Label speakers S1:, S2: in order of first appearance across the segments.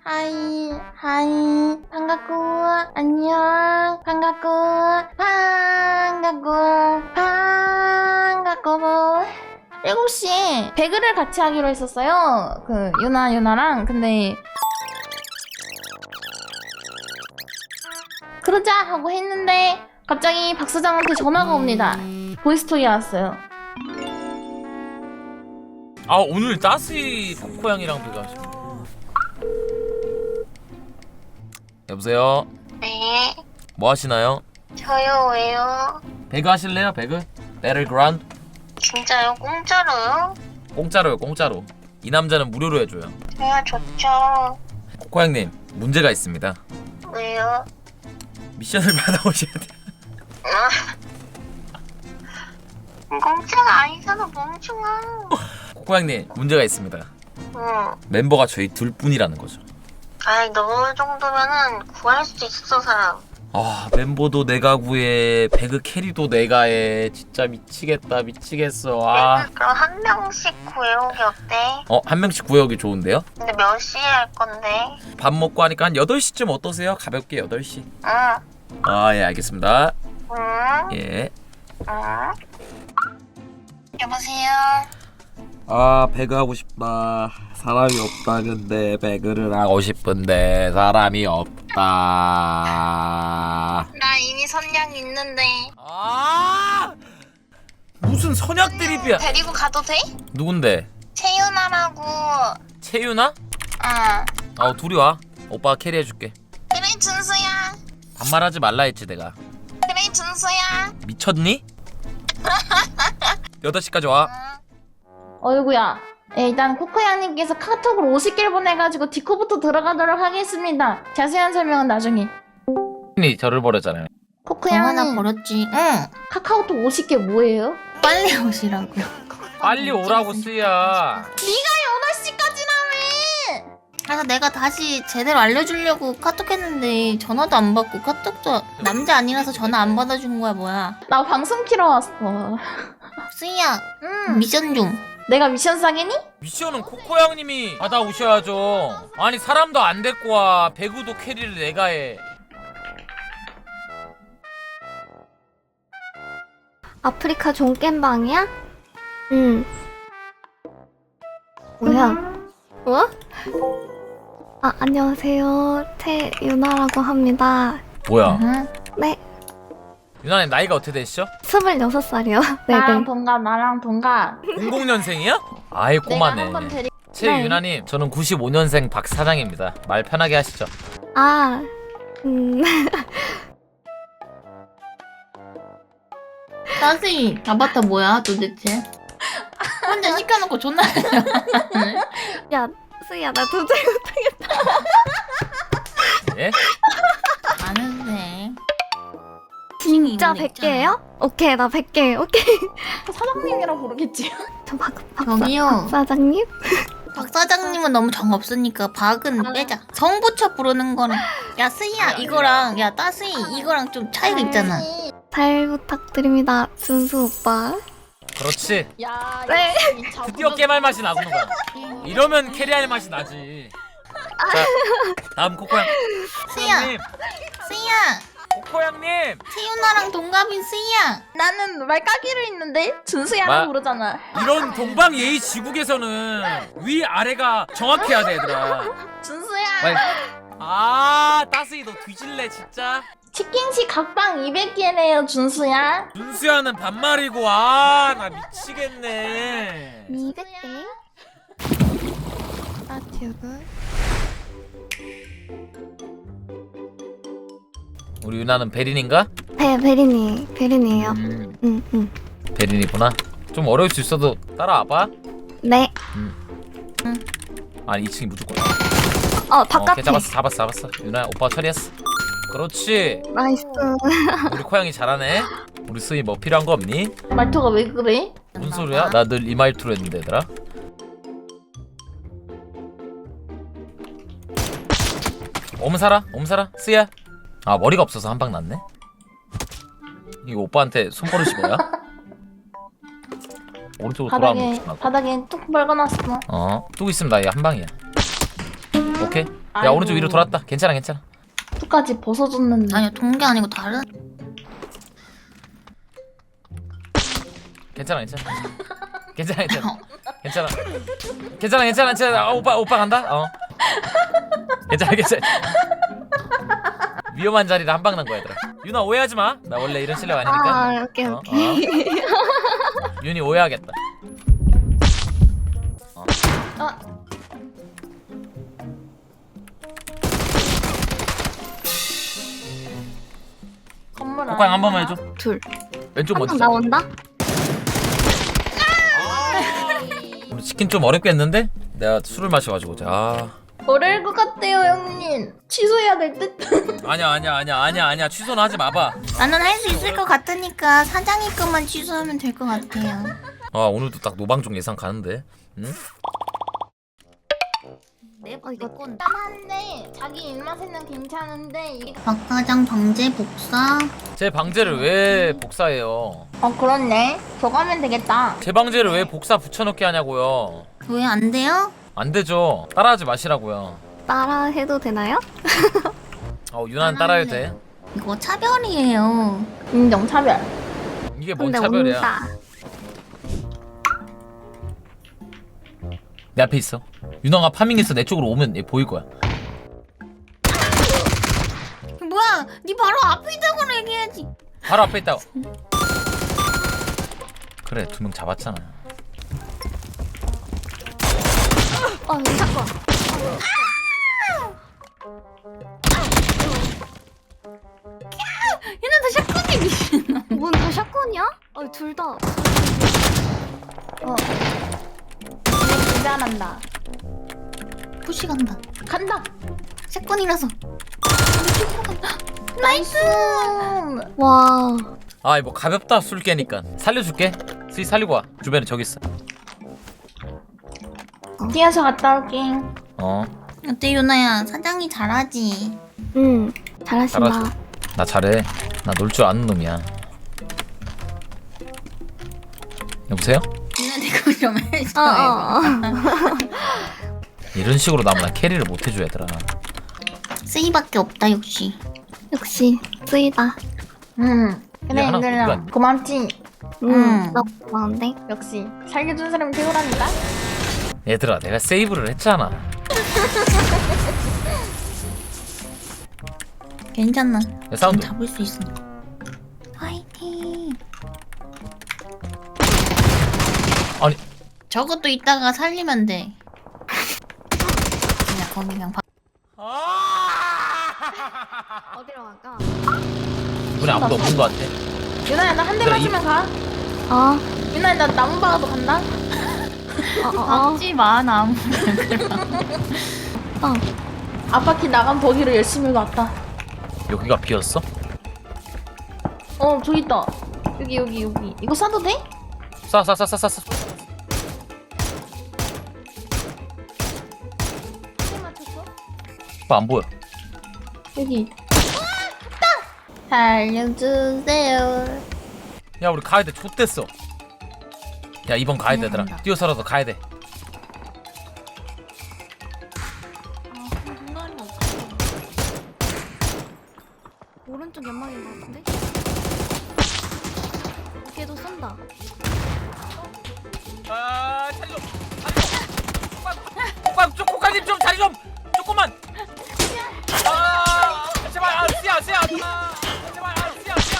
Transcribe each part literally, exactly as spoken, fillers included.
S1: 하이 하이 반갑고 안녕 반갑고 반갑고 반갑고 일곱 시에 배그를 같이 하기로 했었어요. 그 유나 유나랑. 근데 그러자 하고 했는데 갑자기 박 사장한테 전화가 옵니다. 보이스톡이 왔어요.
S2: 아 오늘 따스이 코코양이랑 배가하십니다. 여보세요?
S3: 네,
S2: 뭐 하시나요?
S3: 저요. 왜요?
S2: 배그 하실래요? 배그? 배틀그라운드?
S3: 진짜요? 공짜로요?
S2: 공짜로요, 공짜로. 이 남자는 무료로 해줘요.
S3: 저야 좋죠.
S2: 코코양님, 문제가 있습니다.
S3: 왜요?
S2: 미션을 받아오셔야 돼요.
S3: 아, 공짜가 아니잖아, 멍청아.
S2: 코코양님, 문제가 있습니다.
S3: 응.
S2: 멤버가 저희 둘뿐이라는 거죠.
S3: 아이, 너 정도면은 구할 수 있어, 사람.
S2: 아, 멤버도 내가 구해, 배그 캐리도 내가 해. 진짜 미치겠다, 미치겠어. 아.
S3: 그럼 한 명씩 구해오기 어때?
S2: 어, 한 명씩 구해오기 좋은데요?
S3: 근데 몇 시에 할 건데?
S2: 밥 먹고 하니까 한 여덟 시쯤 어떠세요? 가볍게 여덟 시.
S3: 응.
S2: 아, 예, 알겠습니다.
S3: 응?
S2: 예.
S3: 응? 여보세요?
S2: 아, 배그 하고 싶다. 사람이 없다. 근데 배그를 하고 싶은데 사람이 없다.
S3: 나 이미 선약 있는데.
S2: 아! 무슨 선약 드립이야?
S3: 데리고 가도 돼?
S2: 누군데?
S3: 채윤아라고.
S2: 채윤아?
S3: 응.
S2: 어, 둘이 와. 오빠가 캐리해줄게.
S3: 그래, 준수야.
S2: 반말하지 말라 했지 내가.
S3: 그래, 준수야.
S2: 미쳤니? 여덟 시까지 와.
S3: 응.
S1: 어이구야. 예, 일단 코코양님께서 카톡으로 오십 개를 보내가지고 디코부터 들어가도록 하겠습니다. 자세한 설명은 나중에.
S2: 이 저를 버렸잖아요.
S1: 코코양님
S4: 버렸지. 응.
S1: 카카오톡 오십 개 뭐예요?
S4: 빨리 오시라고.
S2: 빨리 오라고 쓰야.
S1: 여덟 시까지라며!
S4: 그래서 내가 다시 제대로 알려주려고 카톡했는데 전화도 안 받고 카톡도 남자 아니라서 전화 안 받아준 거야 뭐야.
S1: 나 방송 키러 왔어.
S4: 수희야
S1: 응.
S4: 미션 좀.
S1: 내가 미션 싸겠니?
S2: 미션은 코코양님이 받아오셔야죠. 아니 사람도 안 데리고 와. 배구도 캐리를 내가 해.
S5: 아프리카 종겜방이야? 응. 뭐야? 뭐? 아, 안녕하세요. 태유나라고 합니다.
S2: 뭐야?
S4: 응?
S5: 네,
S2: 유나님 나이가 어떻게 되시죠?
S5: 스물여섯 살이요.
S1: 나랑
S5: 네네.
S1: 동갑 나랑 동갑.
S2: 공공년생이야? 아이
S1: 내가
S2: 꼬마네.
S1: 한번 데리...
S2: 최유나님 저는 구십오년생 박 사장입니다. 말 편하게 하시죠.
S5: 아, 음.
S4: 따스이 아바타 뭐야 도대체? 혼자 시켜놓고 존나.
S5: 야, 수희야, 나 도저히 못하겠다.
S2: 예?
S4: 아는데.
S5: 진짜 백 개예요? 오케이, 나 백 개. 오케이.
S1: 사장님이라 부르겠지.
S5: 저 박, 박,
S4: 저기요.
S5: 박 사장님?
S4: 박 사장님은 너무 정 없으니까 박은 빼자. 성 붙여 부르는 거는 야 스이야 이거랑 야 따스이 이거랑 좀 차이가 있잖아.
S5: 잘 부탁드립니다, 준수 오빠.
S2: 그렇지.
S1: 야,
S5: 네.
S2: 드디어 깨말 맛이 나구는 거야. 이러면 캐리할 맛이 나지. 자, 다음 코코양.
S4: 스이야
S2: 코코양님.
S4: 스이야
S2: 코코양님.
S4: 태윤아랑 동갑인 스이야.
S1: 나는 말까기로 있는데 준수야라고
S2: 마-
S1: 부르잖아.
S2: 이런 동방 예의 지국에서는 위 아래가 정확해야 돼 얘들아.
S1: 준수야.
S2: 빨리. 아 따스이 너 뒤질래 진짜.
S1: 치킨시 각방 이백 개래요 준수야.
S2: 준수야는 반말이고 아 나 미치겠네.
S5: 이백 개? 아, 튜브.
S2: 우리 유나는 베린인가?
S5: 네, 베린이. 베린이에요.
S2: 음,
S5: 응, 응.
S2: 베린이구나. 좀 어려울 수 있어도 따라와봐.
S5: 네.
S2: 아니 이 층이 무조건.
S5: 어,
S2: 어,
S5: 바깥에.
S2: 걔 잡았어 잡았어 잡았어. 유나야 오빠 처리했어. 그렇지.
S5: 나이스.
S2: 우리 코양이 잘하네. 우리 스이 뭐 필요한 거 없니?
S1: 말투가 왜 그래?
S2: 뭔 소리야? 나 늘 이 말투로 했는데 얘들아. 엄살아? 엄살아? 스야? 아 머리가 없어서 한 방 났네. 이거 오빠한테 손버릇이 뭐야? 오른쪽으로 돌아가면
S1: 바닥에
S2: 조심하고.
S1: 바닥에 뚝 벌거놨어.
S2: 어, 또 있으면 나 얘 한 방이야. 오케이. 야
S1: 아이고.
S2: 오른쪽 위로 돌았다. 괜찮아 괜찮아.
S1: 끝까지 벗어줬는데.
S4: 아니요 동계 아니고 다른.
S2: 괜찮아 괜찮아. 괜찮아 괜찮아. 괜찮아. 괜찮아 괜찮아 괜찮아. 아, 오빠 오빠 간다. 어. 괜찮아 괜찮아. 위험한 자리를 한 방 난 거야 얘들아. 윤아 오해하지 마. 나 원래 이런 실력 아니니까.
S5: 아, 오케이,
S2: 어,
S5: 오케이.
S2: 어. 윤이 오해하겠다. 어.
S1: 아. 건물
S2: 코코양 한
S1: 안에
S2: 번만
S1: 하나?
S2: 해줘.
S5: 둘.
S2: 왼쪽
S5: 한
S2: 먼저.
S5: 명
S2: 잡아.
S5: 나온다?
S2: 우리 치킨 좀 어렵겠는데? 내가 술을 마셔가지고. 자.
S1: 어려울 것 같아요 형님. 취소해야 될 듯.
S2: 아니야 아니야 아니야 아니야 아니야 취소는 하지 마봐.
S4: 나는 할 수 있을 것 같으니까 사장이 것만 취소하면 될 것 같아요.
S2: 아 오늘도 딱 노방종 예상 가는데. 응?
S4: 내
S5: 어, 이거
S4: 건
S1: 한데 자기 입맛에는 괜찮은데 이게
S4: 박과장 방제 복사.
S2: 제 방제를 왜 복사해요?
S1: 어 그렇네. 저거 하면 되겠다.
S2: 제 방제를 왜 복사 붙여넣기 하냐고요?
S4: 왜 안 돼요?
S2: 안 되죠. 따라하지 마시라고요.
S5: 따라 해도 되나요?
S2: 어 유난 따라해도 돼.
S4: 이거 차별이에요.
S1: 인정 차별.
S2: 이게 뭔
S5: 근데
S2: 차별이야?
S5: 온다.
S2: 내 앞에 있어. 윤왕아 파밍해서 내 쪽으로 오면 얘 보일 거야.
S4: 뭐야? 네 바로 앞에 있다고 얘기해야지.
S2: 바로 앞에 있다고. 그래 두 명 잡았잖아.
S5: 어, 이 사건.
S4: 얘는 다 샷건이 미친.
S5: 뭔다 샷건이야? 어, 둘 다.
S1: 어. 잘한다.
S4: 푸시 간다.
S1: 간다.
S4: 샷건이라서.
S1: 나이스.
S5: 와.
S2: 아 이거 가볍다 술 깨니까. 살려줄게. 스이 살리고 와. 주변에 저기 있어.
S1: 뛰어서 갔다 올게.
S2: 어.
S4: 어때 유나야? 사장이 잘하지.
S5: 응. 잘하신다.
S2: 잘하지. 나 잘해. 나 놀 줄 아는 놈이야. 여보세요?
S4: 유나 내거 좀 해줘.
S5: 어, 어, 어.
S2: 이런 식으로 나면 나 캐리를 못 해줘 얘들아.
S4: 쓰이밖에 없다 역시.
S5: 역시, 쓰이다.
S1: 응. 그래
S2: 하나
S1: 얘들아
S2: 누가-
S1: 고맙지.
S5: 응.
S4: 음.
S5: 나 고마운데?
S1: 역시 살려준 사람이 최고라니까.
S2: 얘들아 내가 세이브를 했잖아.
S4: 괜찮아.
S2: 야, 사운드.
S4: 잡을 수 있어. 화이팅.
S2: 아니
S4: 저것도 이따가 살리면 돼. 그냥 거기 그냥 봐.
S5: 어디로 갈까?
S2: 이번에 아무도 없는 거 같아.
S1: 유나야 나 한 대
S2: 얘들아, 이-
S1: 맞으면 가.
S5: 어,
S1: 유나야 나 나무 박아도 간다.
S5: 어, 어, 어.
S4: 박지 마 나무.
S5: 어.
S1: 앞바퀴 나간 버기를 열심히 왔다.
S2: 여기가 비었어?
S1: 어 저기 있다. 여기 여기 여기. 이거 쏴도 돼?
S2: 쏴쏴쏴쏴쏴.
S1: 한 맞췄어?
S2: 오빠 안 보여.
S1: 여기. 됐다. 살려주세요.
S2: 야 우리 가야 돼. 좆됐어. 야 이번 가야 돼 얘들아. 뛰어서라도 가야 돼.
S5: 오른쪽 연막인 것 같은데? 걔도 쏜다.
S2: 아 자리 좀. 자리 좀. 오빠 좀 코카님 좀 자리 좀. 조금만. 아 제발 아 씨야 씨야. 아, 제발 아 씨야 씨야.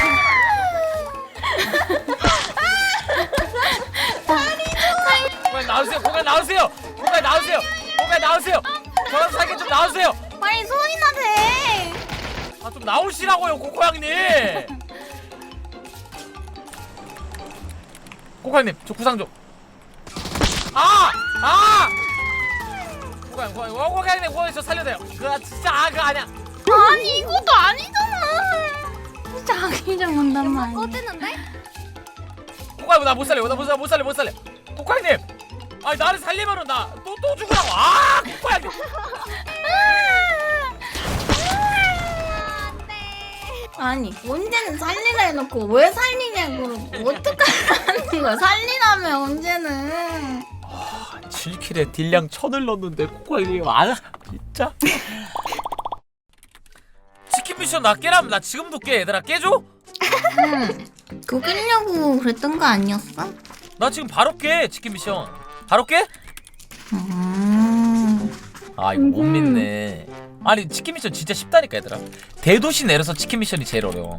S2: 코카님 나오세요. 코카님 나오세요. 코카님 나오세요. 코카님 나오세요. 저랑 살게 좀 나오세요.
S4: 빨리 소리나 돼.
S2: 아 좀 나오시라고요 코코양님. 코코양님 저 구상 좀. 아! 아! 코코양 코코양 코코양님 코코양 저 살려돼요. 그거 진짜 아 그거 아니야.
S4: 아니 이것도 아니잖아. 진짜 아기 좀 온단
S5: 연막
S4: 말이야.
S5: 꺼지는데?
S2: 코코양 나 못 살려 나 못 살려 못 살려 못 살려. 코코양님 아니 나를 살리면은 나 또 또 죽으라고. 아 코코양님.
S4: 아니 언제는 살리라 해놓고 왜 살리냐고. 어떡하라는 거야. 살리라며 언제는.
S2: 칠 킬에 딜량 천을 넣었는데 코코양님 안 진짜. 치킨 미션 나 깨라면 나 지금도 깨. 얘들아 깨줘?
S4: 응. 그거 끼려고 그랬던 거 아니었어?
S2: 나 지금 바로 깨. 치킨 미션 바로 깨?
S4: 음.
S2: 아 이거 못 믿네. 아니 치킨 미션 진짜 쉽다니까 얘들아. 대도시 내려서 치킨 미션이 제일 어려워.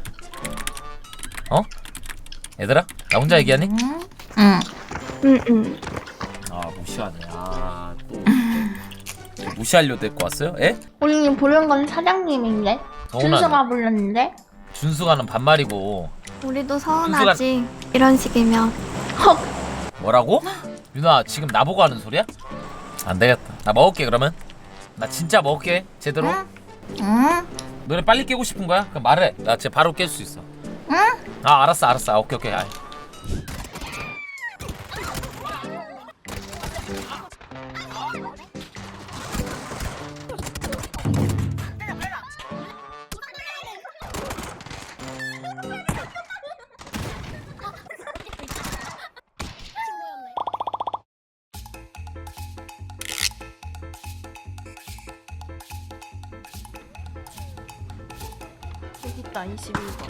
S2: 어? 얘들아 나 혼자 얘기하니?
S4: 응. 응.
S5: 응, 응.
S2: 아 무시하네. 아또 무시하려고 데리고 왔어요? 에?
S1: 우리님 부른 건 사장님인데?
S2: 서운하네.
S1: 준수가 불렀는데?
S2: 준수가는 반말이고.
S5: 우리도 서운하지. 이런 식이면.
S2: 뭐라고? 유나 지금 나보고 하는 소리야? 안 되겠다. 나 먹을게 그러면. 나 진짜 먹을게 제대로.
S4: 응? 응?
S2: 너네 빨리 깨고 싶은 거야? 그럼 말해. 나 진짜 바로 깰 수 있어.
S4: 응?
S2: 아 알았어 알았어. 아, 오케이 오케이. 아이.
S1: 여기 있다 이십일 번.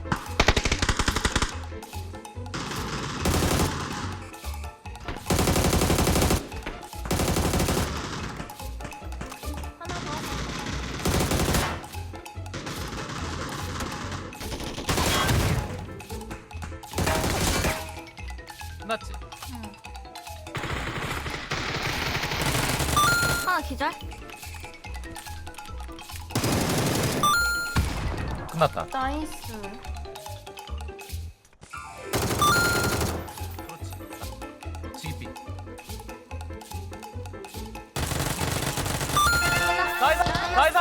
S2: 끝났지?
S5: 하나 기절?
S2: 끝났다.
S1: 나이스.
S2: 그렇지. 지기삐. 나이스! 나이스!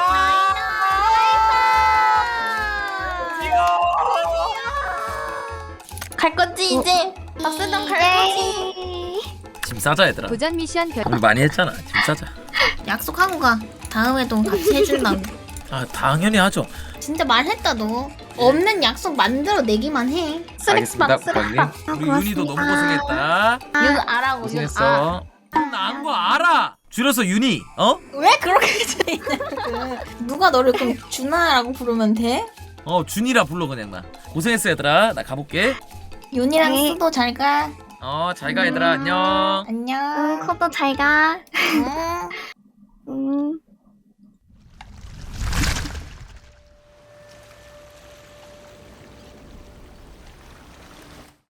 S1: 갈 거지 이제? 박수동 갈 거지?
S2: 짐 싸자 얘들아.
S5: 도전 미션 결.
S2: 우리 많이 했잖아. 짐 싸자.
S4: 약속하고 가. 다음에도 같이 해준다고.
S2: 아 당연히 하죠.
S4: 진짜 말했다 너. 없는 약속 만들어 내기만 해.
S2: 알겠습니다,
S1: 쓰레기방
S2: 국장님. 우리 윤희도 너무 고생했다.
S1: 윤 아라고 윤 아.
S2: 고생했어. 나안 거 알아. 줄여서 윤희. 어?
S4: 왜 그렇게 되냐고. 누가 너를 그럼 준하라고 부르면 돼?
S2: 어 준이라 불러 그냥 나. 고생했어 얘들아. 나 가볼게.
S4: 윤이랑
S5: 네.
S4: 수도 잘 가.
S2: 어 잘 가 얘들아. 안녕.
S4: 안녕.
S5: 응, 커도 잘 가.
S4: 응.
S5: 응.